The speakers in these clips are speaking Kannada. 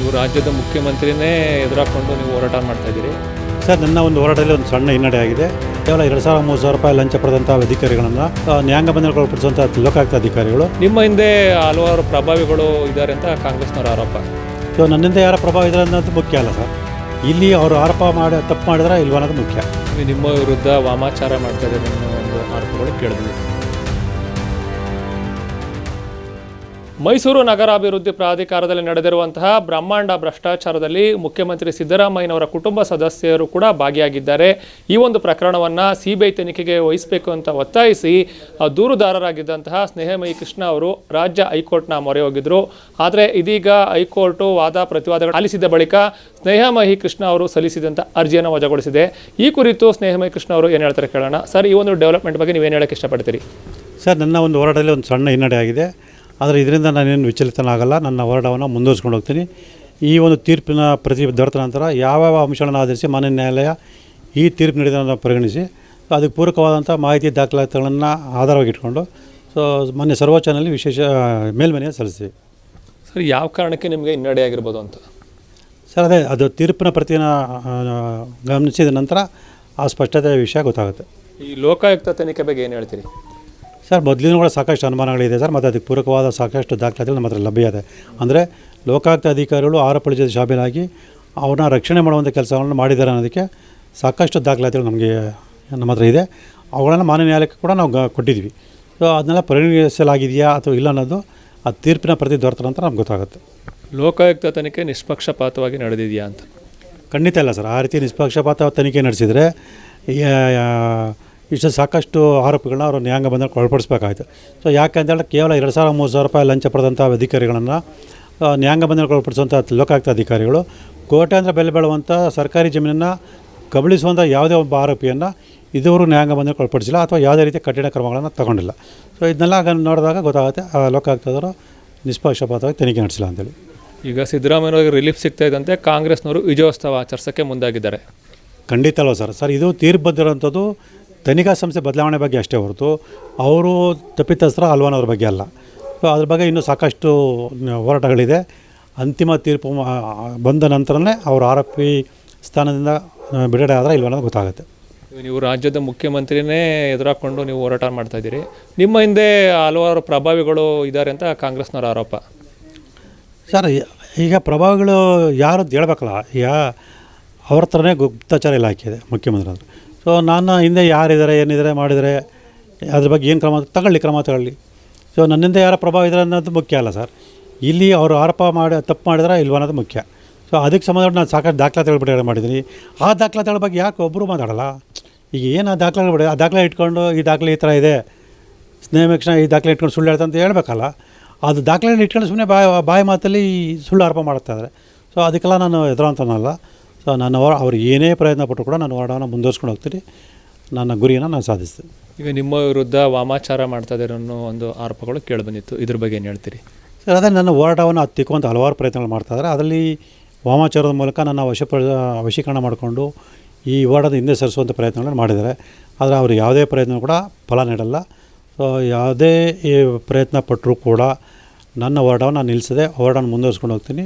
ನೀವು ರಾಜ್ಯದ ಮುಖ್ಯಮಂತ್ರಿನೇ ಎದುರಾಕೊಂಡು ನೀವು ಹೋರಾಟ ಮಾಡ್ತಾ ಇದ್ದೀರಿ. ಸರ್, ನನ್ನ ಒಂದು ಹೋರಾಟದಲ್ಲಿ ಒಂದು ಸಣ್ಣ ಹಿನ್ನಡೆ ಆಗಿದೆ. ಕೇವಲ 2,000-3,000 ರೂಪಾಯಿ ಲಂಚ ಪಡೆದಂಥ ಅಧಿಕಾರಿಗಳನ್ನು ನ್ಯಾಯಾಂಗ ಬಂಧನಕ್ಕೆ ಒಳಪಡಿಸುವಂಥ ಲೋಕಾಯುಕ್ತ ಅಧಿಕಾರಿಗಳು. ನಿಮ್ಮ ಹಿಂದೆ ಹಲವಾರು ಪ್ರಭಾವಿಗಳು ಇದ್ದಾರೆ ಅಂತ ಕಾಂಗ್ರೆಸ್ನವರ ಆರೋಪ. ಸೊ ನನ್ನಿಂದ ಯಾರ ಪ್ರಭಾವ ಇದೆ ಅನ್ನೋದು ಮುಖ್ಯ ಅಲ್ಲ ಸರ್. ಇಲ್ಲಿ ಅವರು ಆರೋಪ ಮಾಡಿ ತಪ್ಪು ಮಾಡಿದ್ರೆ ಇಲ್ವ ಅನ್ನೋದು ಮುಖ್ಯ. ನಿಮ್ಮ ವಿರುದ್ಧ ವಾಮಾಚಾರ ಮಾಡ್ತಾ ಇದ್ದಾರೆ ಅನ್ನೋ ಒಂದು ಆರೋಪಗಳು ಕೇಳಿದ್ವಿ. ಮೈಸೂರು ನಗರಾಭಿವೃದ್ಧಿ ಪ್ರಾಧಿಕಾರದಲ್ಲಿ ನಡೆದಿರುವಂತಹ ಬ್ರಹ್ಮಾಂಡ ಭ್ರಷ್ಟಾಚಾರದಲ್ಲಿ ಮುಖ್ಯಮಂತ್ರಿ ಸಿದ್ದರಾಮಯ್ಯನವರ ಕುಟುಂಬ ಸದಸ್ಯರು ಕೂಡ ಭಾಗಿಯಾಗಿದ್ದಾರೆ. ಈ ಒಂದು ಪ್ರಕರಣವನ್ನು ಸಿಬಿಐ ತನಿಖೆಗೆ ವಹಿಸಬೇಕು ಅಂತ ಒತ್ತಾಯಿಸಿ ದೂರುದಾರರಾಗಿದ್ದಂತಹ ಸ್ನೇಹಮಯಿ ಕೃಷ್ಣ ಅವರು ರಾಜ್ಯ ಹೈಕೋರ್ಟ್ನ ಮೊರೆ ಹೋಗಿದ್ದರು. ಆದರೆ ಇದೀಗ ಹೈಕೋರ್ಟು ವಾದ ಪ್ರತಿವಾದಗಳು ಆಲಿಸಿದ ಬಳಿಕ ಸ್ನೇಹಮಯಿ ಕೃಷ್ಣ ಅವರು ಸಲ್ಲಿಸಿದಂಥ ಅರ್ಜಿಯನ್ನು ವಜಾಗೊಳಿಸಿದೆ. ಈ ಕುರಿತು ಸ್ನೇಹಮಯಿ ಕೃಷ್ಣ ಅವರು ಏನು ಹೇಳ್ತಾರೆ ಕೇಳೋಣ. ಸರ್, ಈ ಒಂದು ಡೆವಲಪ್ಮೆಂಟ್ ಬಗ್ಗೆ ನೀವೇನು ಹೇಳೋಕ್ಕೆ ಇಷ್ಟಪಡ್ತೀರಿ? ಸರ್, ನನ್ನ ಒಂದು ಹೋರಾಟದಲ್ಲಿ ಒಂದು ಸಣ್ಣ ಹಿನ್ನಡೆ ಆಗಿದೆ. ಆದರೆ ಇದರಿಂದ ನಾನೇನು ವಿಚಲಿತನಾಗಲ್ಲ. ನನ್ನ ಹೋರಾಟವನ್ನು ಮುಂದುವರಿಸ್ಕೊಂಡು ಹೋಗ್ತೀನಿ. ಈ ಒಂದು ತೀರ್ಪಿನ ದೊರೆತ ನಂತರ ಯಾವ ಅಂಶಗಳನ್ನು ಆಧರಿಸಿ ಮಾನ್ಯ ನ್ಯಾಯಾಲಯ ಈ ತೀರ್ಪು ನೀಡಿದ ಪರಿಗಣಿಸಿ ಅದಕ್ಕೆ ಪೂರಕವಾದಂಥ ಮಾಹಿತಿ ದಾಖಲಾತಿಗಳನ್ನು ಆಧಾರವಾಗಿಟ್ಕೊಂಡು ಮಾನ್ಯ ಸರ್ವೋಚ್ಚನಲ್ಲಿ ವಿಶೇಷ ಮೇಲ್ಮನೆಯನ್ನು ಸಲ್ಲಿಸ್ತೀವಿ. ಸರ್, ಯಾವ ಕಾರಣಕ್ಕೆ ನಿಮಗೆ ಹಿನ್ನಡೆ ಆಗಿರ್ಬೋದು ಅಂತ? ಸರ್, ಅದು ತೀರ್ಪಿನ ಪ್ರತಿನ ಗಮನಿಸಿದ ನಂತರ ಆ ಸ್ಪಷ್ಟತೆ ವಿಷಯ ಗೊತ್ತಾಗುತ್ತೆ. ಈ ಲೋಕಾಯುಕ್ತ ತನಿಖೆ ಬಗ್ಗೆ ಏನು ಹೇಳ್ತೀರಿ? ಸರ್, ಮೊದಲಿನ ಕೂಡ ಸಾಕಷ್ಟು ಅನುಮಾನಗಳಿದೆ ಸರ್. ಮತ್ತು ಅದಕ್ಕೆ ಪೂರಕವಾದ ಸಾಕಷ್ಟು ದಾಖಲಾತಿಗಳು ನಮ್ಮ ಹತ್ರ ಲಭ್ಯ ಇದೆ. ಅಂದರೆ ಲೋಕಾಯುಕ್ತ ಅಧಿಕಾರಿಗಳು ಆರೋಪಗಳ ಜೊತೆ ಶಾಮೀಲಾಗಿ ಅವ್ರನ್ನ ರಕ್ಷಣೆ ಮಾಡುವಂಥ ಕೆಲಸಗಳನ್ನು ಮಾಡಿದ್ದಾರೆ ಅನ್ನೋದಕ್ಕೆ ಸಾಕಷ್ಟು ದಾಖಲಾತಿಗಳು ನಮ್ಮ ಹತ್ರ ಇದೆ. ಅವುಗಳನ್ನು ಮಾನ್ಯ ನ್ಯಾಯಾಲಯಕ್ಕೆ ಕೂಡ ನಾವು ಕೊಟ್ಟಿದ್ವಿ. ಸೊ ಅದನ್ನೆಲ್ಲ ಪರಿಗಣಿಸಲಾಗಿದೆಯಾ ಅಥವಾ ಇಲ್ಲ ಅನ್ನೋದು ಆ ತೀರ್ಪಿನ ಪ್ರತಿ ದೊರೆತ ನಂತರ ನಮ್ಗೆ ಗೊತ್ತಾಗುತ್ತೆ. ಲೋಕಾಯುಕ್ತ ತನಿಖೆ ನಿಷ್ಪಕ್ಷಪಾತವಾಗಿ ನಡೆದಿದೆಯಾ ಅಂತ? ಖಂಡಿತ ಇಲ್ಲ ಸರ್. ಆ ರೀತಿ ನಿಷ್ಪಕ್ಷಪಾತ ತನಿಖೆ ನಡೆಸಿದರೆ ಇಷ್ಟು ಸಾಕಷ್ಟು ಆರೋಪಿಗಳನ್ನ ಅವರು ನ್ಯಾಯಾಂಗ ಬಂಧನಕ್ಕೆ ಒಳಪಡಿಸಬೇಕಾಯಿತು. ಸೊ ಯಾಕೆಂತೇಳಿ ಕೇವಲ 2,000-3,000 ರೂಪಾಯಿ ಲಂಚ ಪಡೆದಂಥ ಅಧಿಕಾರಿಗಳನ್ನು ನ್ಯಾಯಾಂಗ ಬಂಧನಕ್ಕೆ ಒಳಪಡಿಸುವಂಥ ಲೋಕಾಯುಕ್ತ ಅಧಿಕಾರಿಗಳು ಕೋಟ್ಯಾಂತರ ಬೆಲೆ ಬಾಳುವಂಥ ಸರ್ಕಾರಿ ಜಮೀನನ್ನು ಕಬಳಿಸುವಂಥ ಯಾವುದೇ ಒಬ್ಬ ಆರೋಪಿಯನ್ನು ಇದುವರೆಗೂ ನ್ಯಾಯಾಂಗ ಬಂಧನಕ್ಕೆ ಒಳಪಡಿಸಿಲ್ಲ ಅಥವಾ ಯಾವುದೇ ರೀತಿಯ ಕಠಿಣ ಕ್ರಮಗಳನ್ನು ತಗೊಂಡಿಲ್ಲ. ಸೊ ಇದನ್ನೆಲ್ಲ ನೋಡಿದಾಗ ಗೊತ್ತಾಗುತ್ತೆ ಲೋಕಾಯುಕ್ತದವರು ನಿಷ್ಪಕ್ಷಪಾತವಾಗಿ ತನಿಖೆ ನಡೆಸಿಲ್ಲ ಅಂತೇಳಿ. ಈಗ ಸಿದ್ದರಾಮಯ್ಯವ್ರಿಗೆ ರಿಲೀಫ್ ಸಿಗ್ತಾ ಇದ್ದಂತೆ ಕಾಂಗ್ರೆಸ್ನವರು ವಿಜಯೋತ್ಸವ ಆಚರಿಸೋಕ್ಕೆ ಮುಂದಾಗಿದ್ದಾರೆ. ಖಂಡಿತ ಅಲ್ವ ಸರ್. ಇದು ತೀರ್ಪು ಬಂದಿರೋಂಥದ್ದು ತನಿಖಾ ಸಂಸ್ಥೆ ಬದಲಾವಣೆ ಬಗ್ಗೆ ಅಷ್ಟೇ ಹೊರತು ಅವರು ತಪ್ಪಿತಸ್ಥರ ಅಲ್ವಾನವ್ರ ಬಗ್ಗೆ ಅಲ್ಲ. ಸೊ ಅದ್ರ ಬಗ್ಗೆ ಇನ್ನೂ ಸಾಕಷ್ಟು ಹೋರಾಟಗಳಿದೆ. ಅಂತಿಮ ತೀರ್ಪು ಬಂದ ನಂತರನೇ ಅವರು ಆರೋಪಿ ಸ್ಥಾನದಿಂದ ಬಿಡುಗಡೆ ಆದರೆ ಇಲ್ವ ಅನ್ನೋದು ಗೊತ್ತಾಗುತ್ತೆ. ನೀವು ರಾಜ್ಯದ ಮುಖ್ಯಮಂತ್ರಿನೇ ಎದುರಾಕೊಂಡು ನೀವು ಹೋರಾಟ ಮಾಡ್ತಾ ಇದ್ದೀರಿ. ನಿಮ್ಮ ಹಿಂದೆ ಹಲವಾರು ಪ್ರಭಾವಿಗಳು ಇದ್ದಾರೆ ಅಂತ ಕಾಂಗ್ರೆಸ್ನವರ ಆರೋಪ. ಸರ್, ಈಗ ಪ್ರಭಾವಿಗಳು ಯಾರು ಅಂತ ಹೇಳ್ಬೇಕಲ್ಲ. ಈಗ ಅವ್ರ ಥರನೇ ಗುಪ್ತಚರ ಇಲಾಖೆ ಇದೆ ಮುಖ್ಯಮಂತ್ರಿ. ಸೊ ನಾನು ಹಿಂದೆ ಯಾರಿದ್ದಾರೆ ಏನಿದ್ದಾರೆ ಮಾಡಿದರೆ ಅದ್ರ ಬಗ್ಗೆ ಏನು ಕ್ರಮ ತಗೊಳ್ಳಿ. ಸೊ ನನ್ನಿಂದ ಯಾರ ಪ್ರಭಾವ ಇದ್ದಾರೆ ಅನ್ನೋದು ಮುಖ್ಯ ಅಲ್ಲ ಸರ್. ಇಲ್ಲಿ ಅವರು ಆರೋಪ ತಪ್ಪು ಮಾಡಿದ್ರೆ ಇಲ್ವ ಅನ್ನೋದು ಮುಖ್ಯ. ಸೊ ಅದಕ್ಕೆ ಸಂಬಂಧಪಟ್ಟು ನಾನು ಸಾಕಷ್ಟು ದಾಖಲಾತಿಗಳು ಬಿಡುಗಡೆ ಮಾಡಿದ್ದೀನಿ. ಆ ದಾಖಲಾತಿಗಳ ಬಗ್ಗೆ ಯಾಕೆ ಒಬ್ಬರು ಮಾತಾಡೋಲ್ಲ? ಈಗ ಏನು ಆ ದಾಖಲೆಗಳು ಬಿಡಿ, ಆ ದಾಖಲೆ ಇಟ್ಕೊಂಡು ಈ ದಾಖಲೆ ಈ ಥರ ಇದೆ, ಸ್ನೇಹಮೇಕ್ಷಣ ಈ ದಾಖಲೆ ಇಟ್ಕೊಂಡು ಸುಳ್ಳು ಹೇಳ್ತಾ ಅಂತ ಹೇಳ್ಬೇಕಲ್ಲ. ಅದು ದಾಖಲೆಗಳನ್ನ ಇಟ್ಕೊಂಡು ಸುಮ್ಮನೆ ಬಾಯಿ ಮಾತಲ್ಲಿ ಸುಳ್ಳು ಆರೋಪ ಮಾಡ್ತಾಯಿದ್ದಾರೆ. ಸೊ ಅದಕ್ಕೆಲ್ಲ ನಾನು ಎದುರಂತನಲ್ಲ. ಸೊ ಅವ್ರು ಏನೇ ಪ್ರಯತ್ನ ಪಟ್ಟರು ಕೂಡ ನಾನು ಹೋರಾಟವನ್ನು ಮುಂದುವರ್ಸ್ಕೊಂಡು ಹೋಗ್ತೀನಿ. ನನ್ನ ಗುರಿಯನ್ನು ನಾನು ಸಾಧಿಸ್ತೀನಿ. ಈಗ ನಿಮ್ಮ ವಿರುದ್ಧ ವಾಮಾಚಾರ ಮಾಡ್ತಾ ಇದ್ದಾರೆ ಅನ್ನೋ ಒಂದು ಆರೋಪಗಳು ಕೇಳಿಬಂದಿತ್ತು. ಇದ್ರ ಬಗ್ಗೆ ಏನು ಹೇಳ್ತೀರಿ? ಸರ್, ಅದೇ ನನ್ನ ಹೋರಾಟವನ್ನು ಹತ್ತಿಕ್ಕುವಂಥ ಹಲವಾರು ಪ್ರಯತ್ನಗಳು ಮಾಡ್ತಾಯಿದ್ದಾರೆ. ಅದರಲ್ಲಿ ವಾಮಾಚಾರದ ಮೂಲಕ ನನ್ನ ವಶೀಕರಣ ಮಾಡಿಕೊಂಡು ಈ ಹೋರಾಟದ ಹಿಂದೆ ಸರಿಸುವಂಥ ಪ್ರಯತ್ನಗಳನ್ನು ಮಾಡಿದ್ದಾರೆ. ಆದರೆ ಅವರು ಯಾವುದೇ ಪ್ರಯತ್ನ ಕೂಡ ಫಲ ನೀಡಲ್ಲ. ಸೊ ಯಾವುದೇ ಪ್ರಯತ್ನ ಪಟ್ಟರೂ ಕೂಡ ನನ್ನ ಹೋರಾಟವನ್ನು ನಾನು ನಿಲ್ಲಿಸದೆ ಹೋರಾಟವನ್ನು ಮುಂದುವರ್ಸ್ಕೊಂಡು ಹೋಗ್ತೀನಿ.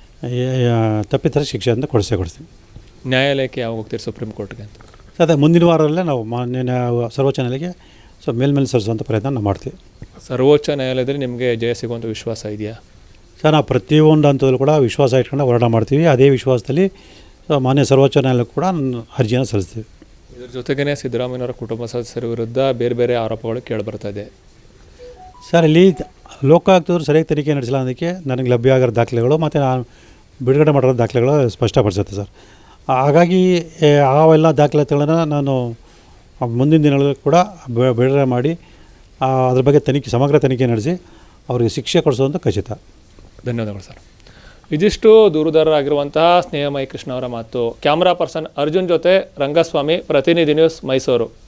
ತಪ್ಪಿತರ ಶಿಕ್ಷೆಯನ್ನು ಕೊಡಿಸ್ತೀನಿ. ನ್ಯಾಯಾಲಯಕ್ಕೆ ಯಾವಾಗ ಹೋಗ್ತೀರಿ? ಸುಪ್ರೀಂ ಕೋರ್ಟ್ಗೆ ಅಂತ? ಅದೇ ಮುಂದಿನ ವಾರದಲ್ಲೇ ನಾವು ಮಾನ್ಯ ಸರ್ವೋಚ್ಚ ನ್ಯಾಯಾಲಯಕ್ಕೆ ಮೇಲ್ಮೇಲೆ ಸಲ್ಲಿಸುವಂಥ ಪ್ರಯತ್ನ ನಾವು ಮಾಡ್ತೀವಿ. ಸರ್ವೋಚ್ಚ ನ್ಯಾಯಾಲಯದಲ್ಲಿ ನಿಮಗೆ ಜಯ ಸಿಗುವಂಥ ವಿಶ್ವಾಸ ಇದೆಯಾ? ಸರ್, ನಾವು ಪ್ರತಿಯೊಂದು ಹಂತದಲ್ಲೂ ಕೂಡ ವಿಶ್ವಾಸ ಇಟ್ಕೊಂಡು ಹೋರಾಟ ಮಾಡ್ತೀವಿ. ಅದೇ ವಿಶ್ವಾಸದಲ್ಲಿ ಮಾನ್ಯ ಸರ್ವೋಚ್ಚ ನ್ಯಾಯಾಲಯಕ್ಕೆ ಕೂಡ ಅರ್ಜಿಯನ್ನು ಸಲ್ಲಿಸ್ತೀವಿ. ಇದ್ರ ಜೊತೆಗೇ ಸಿದ್ದರಾಮಯ್ಯನವರ ಕುಟುಂಬ ಸದಸ್ಯರ ವಿರುದ್ಧ ಬೇರೆ ಬೇರೆ ಆರೋಪಗಳು ಕೇಳಿಬರ್ತಾ ಇದೆ. ಸರ್, ಇಲ್ಲಿ ಲೋಕಾಯುಕ್ತರು ಸರಿಯಾಗಿ ತನಿಖೆ ನಡೆಸಿಲ್ಲ ಅನ್ನೋದಕ್ಕೆ ನನಗೆ ಲಭ್ಯ ಆಗಿರೋ ದಾಖಲೆಗಳು ಮತ್ತು ನಾನು ಬಿಡುಗಡೆ ಮಾಡಿರೋ ದಾಖಲೆಗಳು ಸ್ಪಷ್ಟಪಡಿಸುತ್ತೆ ಸರ್. ಹಾಗಾಗಿ ಅವೆಲ್ಲ ದಾಖಲಾತಿಗಳನ್ನು ನಾನು ಮುಂದಿನ ದಿನಗಳಲ್ಲಿ ಕೂಡ ಬಿಡುಗಡೆ ಮಾಡಿ ಅದ್ರ ಬಗ್ಗೆ ಸಮಗ್ರ ತನಿಖೆ ನಡೆಸಿ ಅವರಿಗೆ ಶಿಕ್ಷೆ ಕೊಡಿಸೋದು ಖಚಿತ. ಧನ್ಯವಾದಗಳು ಸರ್. ಇದಿಷ್ಟು ದೂರುದಾರರಾಗಿರುವಂತಹ ಸ್ನೇಹಮಯಿ ಕೃಷ್ಣ ಅವರ ಮಾತು. ಕ್ಯಾಮ್ರಾ ಪರ್ಸನ್ ಅರ್ಜುನ್ ಜೊತೆ ರಂಗಸ್ವಾಮಿ, ಪ್ರತಿನಿಧಿ ನ್ಯೂಸ್, ಮೈಸೂರು.